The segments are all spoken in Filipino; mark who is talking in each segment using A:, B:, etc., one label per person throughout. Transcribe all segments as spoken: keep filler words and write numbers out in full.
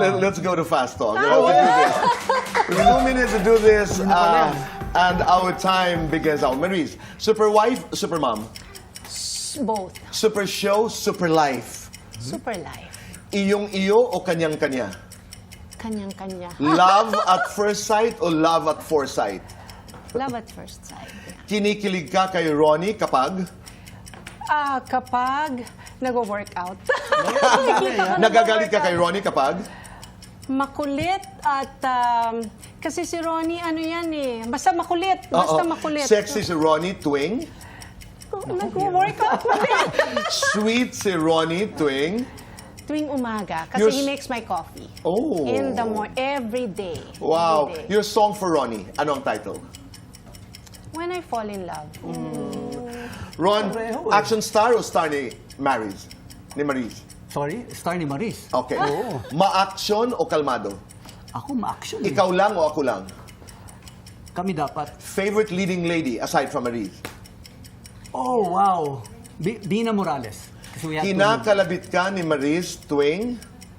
A: let, let's go to fast talk. We have to do this. Two minutes to do this, uh, and our time begins now. Maurice, super wife, super mom,
B: Both.
A: super show, super life.
B: Super life.
A: Iyong iyo o kanyang-kanya?
B: Kanyang-kanya.
A: Love at first sight o love at foresight?
B: Love at first sight.
A: Kinikilig ka kay Ronnie kapag
B: Ah, kapag nag-workout. Nakikita ko
A: nagagalit ka
B: nag-workout.
A: kay Ronnie kapag
B: Makulit at um, kasi si Ronnie ano yan eh. Basta makulit. Basta
A: Oo.
B: makulit.
A: Sexy si Ronnie tuwing
B: Nag-workout pa din.
A: sweet si Ronnie tuwing
B: Tuwing umaga. Kasi
A: You're
B: he
A: s-
B: makes my coffee.
A: Oh.
B: In the morning. Every day.
A: Wow.
B: Every day.
A: Your song for Ronnie, ano ang title?
B: When I fall in love.
A: Ron,
C: Pareho eh.
A: action star o star ni Maris? Ni Maris?
C: Sorry, star ni Maris.
A: Okay.
C: Oo.
A: Ma-action o kalmado?
C: Ako ma-action. eh.
A: Ikaw lang o ako lang?
C: Kami dapat.
A: Favorite leading lady aside from Maris?
C: Oh, wow. B- Dina Morales. Kasi we have to-
A: Kinakalabit ka ni Maris tuwing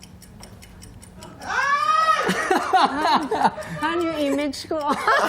B: Ano yung image ko?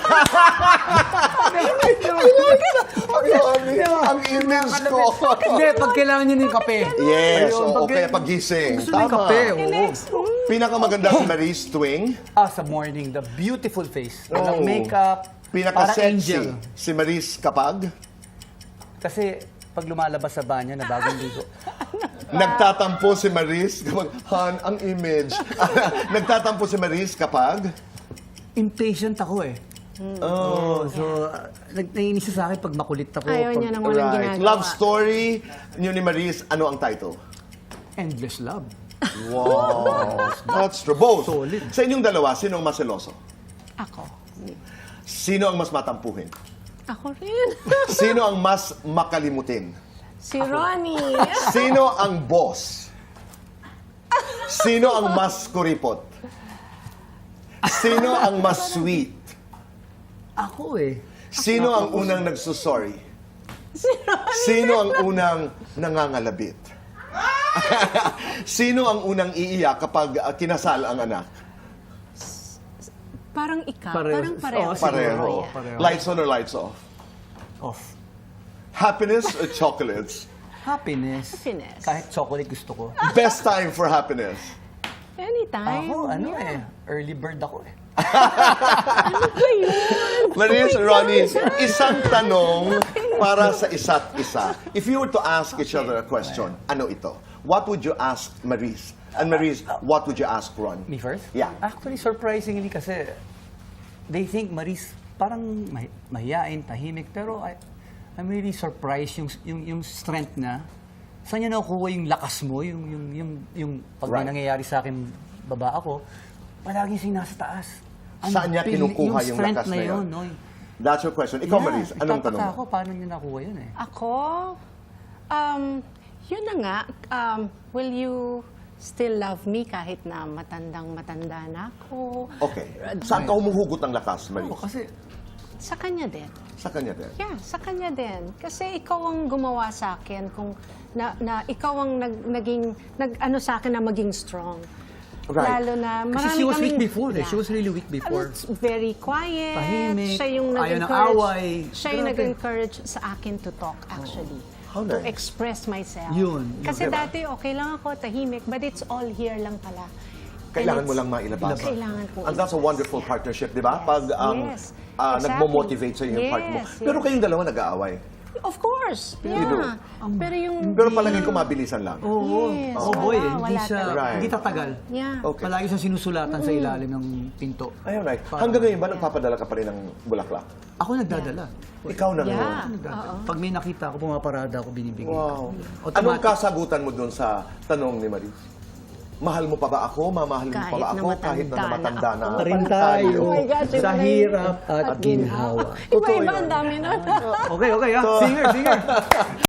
A: Ang dami, ang image ko.
C: Hindi, pag kailangan niyo ng kape.
A: Yes,
C: Ayun,
A: o
C: pag-
A: kaya pagising.
C: Gusto niyo ng
A: Tama.
C: kape. oo.
B: Next.
A: Pinakamaganda si Maris tuwing
C: Ah, sa morning, the beautiful face. Walang
A: Oh.
C: makeup. Parang
A: pinaka-sexy
C: angel.
A: si Maris kapag
C: Kasi pag lumalabas sa banyo na bagong ligo.
A: nagtatampo si Maris kapag Han, ang image. Nagtatampo si Maris kapag
C: Impatient ako eh.
A: Oh,
C: So, uh, nag- naiinis siya sa akin pag makulit ako.
B: Ayaw
C: pag
B: niya nang walang
A: right.
B: ginagawa.
A: Love story niyo ni Maris, ano ang title?
C: Endless love.
A: Wow. That's true. Both.
C: Solid.
A: Sa inyong dalawa, sino ang mas seloso?
B: Ako.
A: Sino ang mas matampuhin?
B: Ako rin.
A: Sino ang mas makalimutin?
B: Si Ronnie.
A: Sino ang boss? Sino ang mas kuripot? Sino ang mas sweet?
C: Ako eh.
A: Sino ang unang nagsusorry? Sino ang unang nangangalabit? Sino ang unang iiyak kapag uh, kinasal ang anak?
B: Parang ikaw.
C: Pareho.
B: Parang pareho.
C: Oo,
A: Pareho.
B: Yeah.
C: Pareho.
A: Lights on or lights off?
C: Off.
A: Happiness or chocolates?
C: Happiness.
B: Happiness.
C: Kahit chocolate gusto ko.
A: Best time for happiness?
B: Anytime.
C: Ako, ano
B: Yeah.
C: eh. Early bird ako eh.
A: Maris, Ronnie, isang tanong para sa isa't isa. If you were to ask each other a question, ano ito? What would you ask Maris? And Maris, what would you ask Ron?
C: Me first?
A: Yeah.
C: Actually, surprisingly kasi, they think Maris parang mahi- mahiyain, tahimik, pero I, I'm really surprised yung, yung, yung strength na, saan niya nakukuha yung lakas mo, yung, yung, yung, yung pag may
A: Right.
C: nangyayari sa akin, baba ako, palagi siya nasa taas. Ang
A: Saan niya
C: pili-
A: kinukuha yung
C: strength
A: lakas na yun?
C: no?
A: That's your question. Ikaw,
C: Yeah,
A: Maris, anong
C: nagtataka
A: tanong
C: ako,
A: mo?
C: paano niya nakuha yun eh?
B: Ako, um, yun na nga, um, will you still love me kahit na matandang matanda na ako?
A: Okay. Saan ka humuhugot ng lakas, Maris?
C: Oo, kasi
B: Sa kanya din.
A: Sa kanya din.
B: Yeah, sa kanya din. Kasi ikaw ang gumawa sa akin kung na, na ikaw ang nag, naging nag ano sa akin na maging strong.
A: Right.
B: Lalo na marami
C: Kasi she was
B: kaming-
C: weak before eh.
B: Yeah.
C: She was really weak before.
B: It's very quiet.
C: Tahimik,
B: Siya yung
C: ayaw ng
B: nag-encourage.
C: away.
B: Siya yung
C: Grabe.
B: nag-encourage sa akin to talk actually.
A: How
B: To
A: nice.
B: express myself.
C: Yun, yun.
B: Kasi
A: Diba?
B: dati okay lang ako, tahimik, but it's all here lang pala.
A: Kailangan
B: And
A: mo
B: it's-
A: lang mailabas.
B: Kailangan ko.
A: And that's a wonderful
B: Yeah.
A: partnership, di ba?
B: Yes.
A: Pag ang
B: Yes.
A: ah,
B: Exactly.
A: nagmo-motivate sa iyo yung part mo.
B: Yes,
A: Pero
B: yes.
A: kayong dalawa nag-aaway.
B: Of course.
A: You
B: Yeah.
A: do.
B: Pero yung...
A: Pero palagay ko mabilisan lang.
C: Oo.
B: Yes,
C: Oh, boy,
B: wala,
C: hindi
B: wala
C: siya,
B: talaga.
A: Right.
C: hindi tatagal.
B: Yeah.
A: Okay.
C: Palagi siya sinusulatan sa ilalim ng pinto.
A: Ayun, right.
C: Parang-
A: Hanggang ngayon ba nagpapadala ka pa rin ng bulaklak?
C: Ako nagdadala.
A: Ikaw na
B: Yeah.
A: ngayon.
C: Nagdadala. Pag may nakita ako, pumaparada ako, binibigay.
A: Wow.
C: Automatic.
A: Anong kasagutan mo doon sa tanong ni Maris? Mahal mo pa ba ako? Mamahalin mo pa
B: Kahit
A: ba
B: na
A: ako? Kahit na
B: matanda
A: namatanda
B: na
A: na.
B: ako.
C: Pa rin tayo
B: Oh my gosh, iba
C: sa
B: na yun.
C: hirap at ginhawa.
A: Totoo
B: Iba-iba
A: yun.
B: ang dami na.
C: Okay, okay, ha? Singer, singer.